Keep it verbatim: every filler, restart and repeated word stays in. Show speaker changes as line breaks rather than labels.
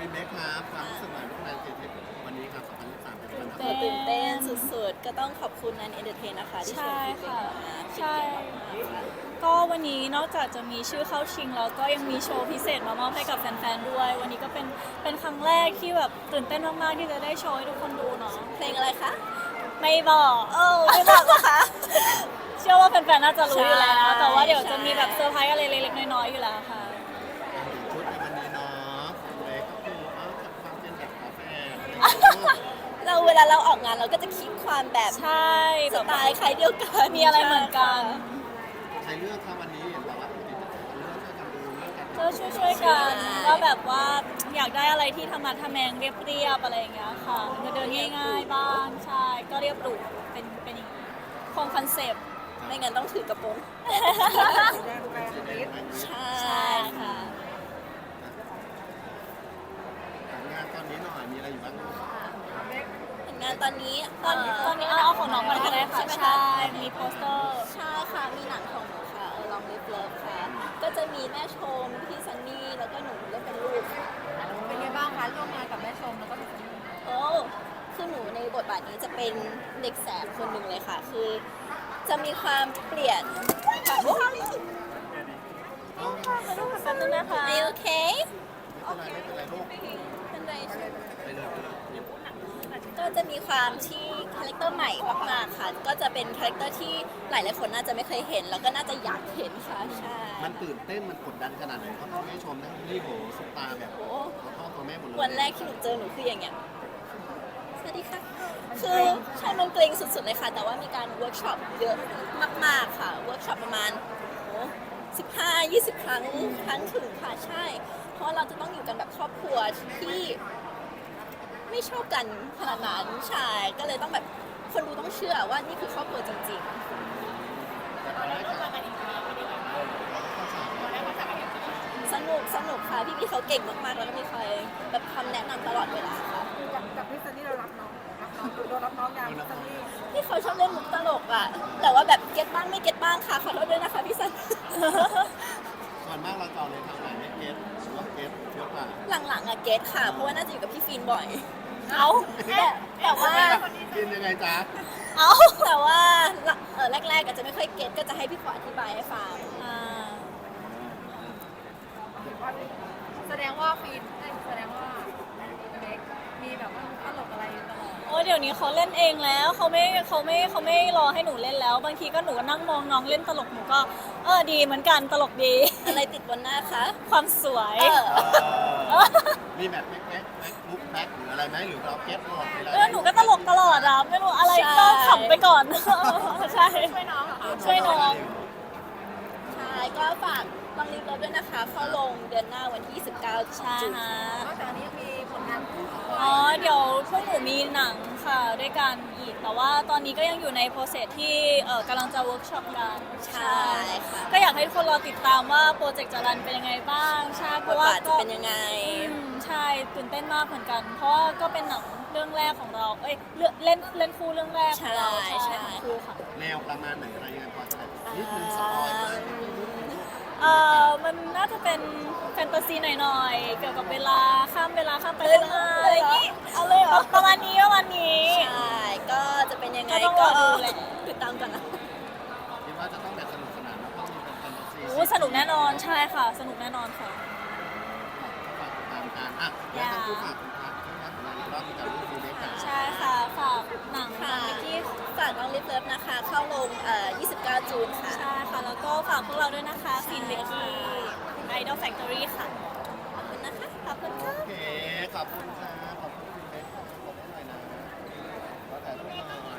เบคครับความรู้สึกหน่อยร่วมงานเจเจวันนี้ครับสองพันยี่สิบสามเป็นวัน
โหตื่นเต้นสุดๆ ก็ต้องขอบคุณนันเอนเตอร์เทนนะคะที่ชวน
ใช่
พี่เบ
ค่ะ
กมา
ใช่
เป็นเกียรติมากๆค่ะ
ก็วันนี้นอกจากจะมีชื่อเข้าชิงแล้วก็ยังมีโชว์พิเศษมามอบให้กับแฟนๆด้วย วันนี้ก็เป็นเป็นครั้งแรกที่แบบตื่นเต้นมากๆที่จะได้โชว์ให้ทุกคนดูเนาะ
เพลงอะไรคะ
ไม่บอก
เออไม่บอกนะคะ
เชื่อว่าแฟนๆน่าจะรู้อยู่แล้ว
ใช่
แต่ว่าเดี๋ยวจะ
ใช่
มีแบบเซอร์ไพรส์อะไรเล็กๆน้อยๆอยู่แล้วค่ะ
ชุดในวันนี้เนาะคุณเบคก็คือเอาจากความเป็นแบบคาเฟ่
เราเวลาเราออกงานเราก็จะคิดความแบบ
ใช่
สไตล์ใครเดียวกัน
มีอะไรเหมือนกัน
ใครเลือกครับวันนี้เห็นบอกว่าปกติจะเลือกช่วยกันดูเลือกกัน
ก็ช่วยๆกันว่าแบบว่าอยากได้อะไรที่ธรรมะทะแมงเรียบๆอะไรอย่างเงี้ยค่ะเดินง่ายๆบ้างใช่ก็เรียบหรูเป็นเป็นอย่างนี้คงคอนเซปต์
ไม่งั้นต้องถือกระโปรง ใช่
ใช่ค่ะ
งานตอนนี้หน่อยมีอะไรอยู่บ้าง
ผลงานตอนนี้
ตอนตอนนี้เอาเอาของน้องก่อนก็ได้ค่ะ
ใช่ไหม
ใช่มีโปสเตอร์
ใช่ค่ะ มีหนังของหนูค่ะเออลองลิฟเลิฟค่ะ ก็จะมีแม่ชม พี่ซันนี่ แล้วก็หนูเล่นเป็นลูกค่ะ
เป็นไงบ้างคะร่วมงานกับแม่ชมแล้วก็พี่ซันนี่
โอ้คือหนูในบทบาทนี้จะเป็นเด็กแสบคนหนึ่งเลยค่ะ คือจะมีความเปลี่ยนค่ะโอ้ย
มาดูกันแป๊บนึงนะคะ
Are you okay
ไม่เป็นไรไม่เป็นไรลูก
เป็นไรใช่ไหม
ไปเลยไปเลย
ก็จะมีความที่คาแรคเตอร์ใหม่มากๆค่ะ ก็จะเป็นคาแรคเตอร์ที่หลายๆคนน่าจะไม่เคยเห็น แล้วก็น่าจะอยากเห็นค่ะ ใช่
มันตื่นเต้นมันกดดันขนาดไหนเพราะทั้งแม่ชมทั้งนี่โหสุดตาแบบ
โอ้
ตัวพ่อตัวแม่หมดเลย
วันแรกที่หนูเจอหนูคืออย่างเงี้ย สวัสดีค่ะ คือใช่มันเกรงสุดๆเลยค่ะ แต่ว่ามีการเวิร์กช็อปเยอะมากๆค่ะ เวิร์กช็อปประมาณโอ้สิบห้า ยี่สิบ ครั้ง ครั้งถึงค่ะ ใช่ เพราะเราจะต้องอยู่กันแบบครอบครัวที่ไม่ชอบกันขนาดนั้น ใช่ ก็เลยต้องแบบคนดูต้องเชื่อว่านี่คือครอบครัวจริงๆ สนุกสนุกค่ะ พี่ๆเขาเก่งมากๆ แล้วก็มีคอยแบบคำแนะนำตลอดเวลาค่ะ
กับกับพี่ซันนี่เรารับน้องรับน้องเรารับน้องงานพี่ซันนี่
พี่เขาชอบเล่นมุกตลกอะแต่ว่าแบบเก็ตบ้างไม่เก็ตบ้างค่ะ ขอโทษด้วยนะคะพี่ซัน
ส่วนมากเราจะเอาเลยทางไหนไม่เก็ตหรือว่าเก็ตเยอะกว่า
หลังๆอะเก็ตค่ะ เพราะว่าน่าจะอยู่กับพี่ฟีนบ่อย เอาแต่แต่ว่า
กินยังไงจ๊ะ
เอาแต่ว่าเออแรกๆอาจจะไม่ค่อยเก็ตก็จะให้พี่ขออธิบายให้ฟัง
อ่า
แสดงว่าฟีนเอ้ยแสดงว่าเบคมีแบบว่าตลกอะไรตลอด
โอ้เดี๋ยวนี้เขาเล่นเองแล้วเขาไม่เขาไม่เขาไม่รอให้หนูเล่นแล้ว บางทีก็หนูก็นั่งมองน้องเล่นตลกหนูก็เออดีเหมือนกันตลกดี
อะไรติดบนหน้าคะ
ความสวย
เออ
เออมีแบบแม็กแม็กแม็กมุกแม็กหรืออะไรไหมหรือเราเก็ตหมดไปเลย
เออหนูก็ตลกตลอดอะไม่รู้อะไรก็ขำไปก่อน ใช่
ช่วยน้องเหรอคะ
ช่วยน้อง
ใช่ก็ฝากลองรีบรถด้วยนะคะ เข้าลงเดือนหน้าวันที่ยี่สิบเก้า
ใช่
จุด
ฮะ
นอกจากนี้ยังมีผลงานคู่ของ
อ๋อเดี๋ยวพวกหนูมีหนังค่ะด้วยกันอีก แต่ว่าตอนนี้ก็ยังอยู่ในโปรเซสที่เออกำลังจะเวิร์กช็อปกัน
ใช่ค่ะ
ก็อยากให้ทุกคนรอติดตามว่าโปรเจกต์จะรันเป็นยังไงบ้างใช่เพ
บท
ราะว่า
บาทจะ
ก็
เป็นยังไง
อืมใช่ตื่นเต้นมากเหมือนกัน เพราะว่าก็เป็นหนังเรื่องแรกของเรา เอ้ยเรื่องเล่นเล่นคู่เรื่องแรกของเรา
ใช่ใช่
ของคู่ค่ะ
แนวประมาณไหนอะไรยังไงพอจะแบบนิดนึงสปอยล์ไหม
เอ่อมันน่าจะเป็นแฟนตาซีหน่อยๆ เกี่ยวกับเวลาข้ามเวลาข้ามไปเวลาอะไรอย่างงี้
เอาเลยเหรอ
ประมาณนี้ประมาณนี้
ใช่ ก็จะเป็นยังไง
ก็ต้องรอดูแหละ
ติดตามกันนะ
คิดว่าจะต้องแบบสนุกสนานแล้วก็มีเป็นแฟนตาซี
โอ้สนุกแน่นอนใช่ค่ะ สนุกแน่นอนค่ะ
ฝากติดตามกันอ่ะแล้วทั้งคู่ฝากคุณพักช่วยงานของเราอีกรอบในการร่วมดูด้วยกัน
ใช่ค่ะ ฝากหนัง
ค่ะ
เมื่อกี้
ฝากน้องลิฟเลิฟนะคะ เข้าลงเอ่อยี่สิบเก้าจูนค่ะ
ใช่ค่ะ แล้วก็ฝากพวกเราด้วยนะคะฟินเบกกี้ไอดอลแฟคทอรี่ค่ะ
ขอบคุณนะคะ ขอบคุณค่ะ
โอเค ขอบคุณค่ะ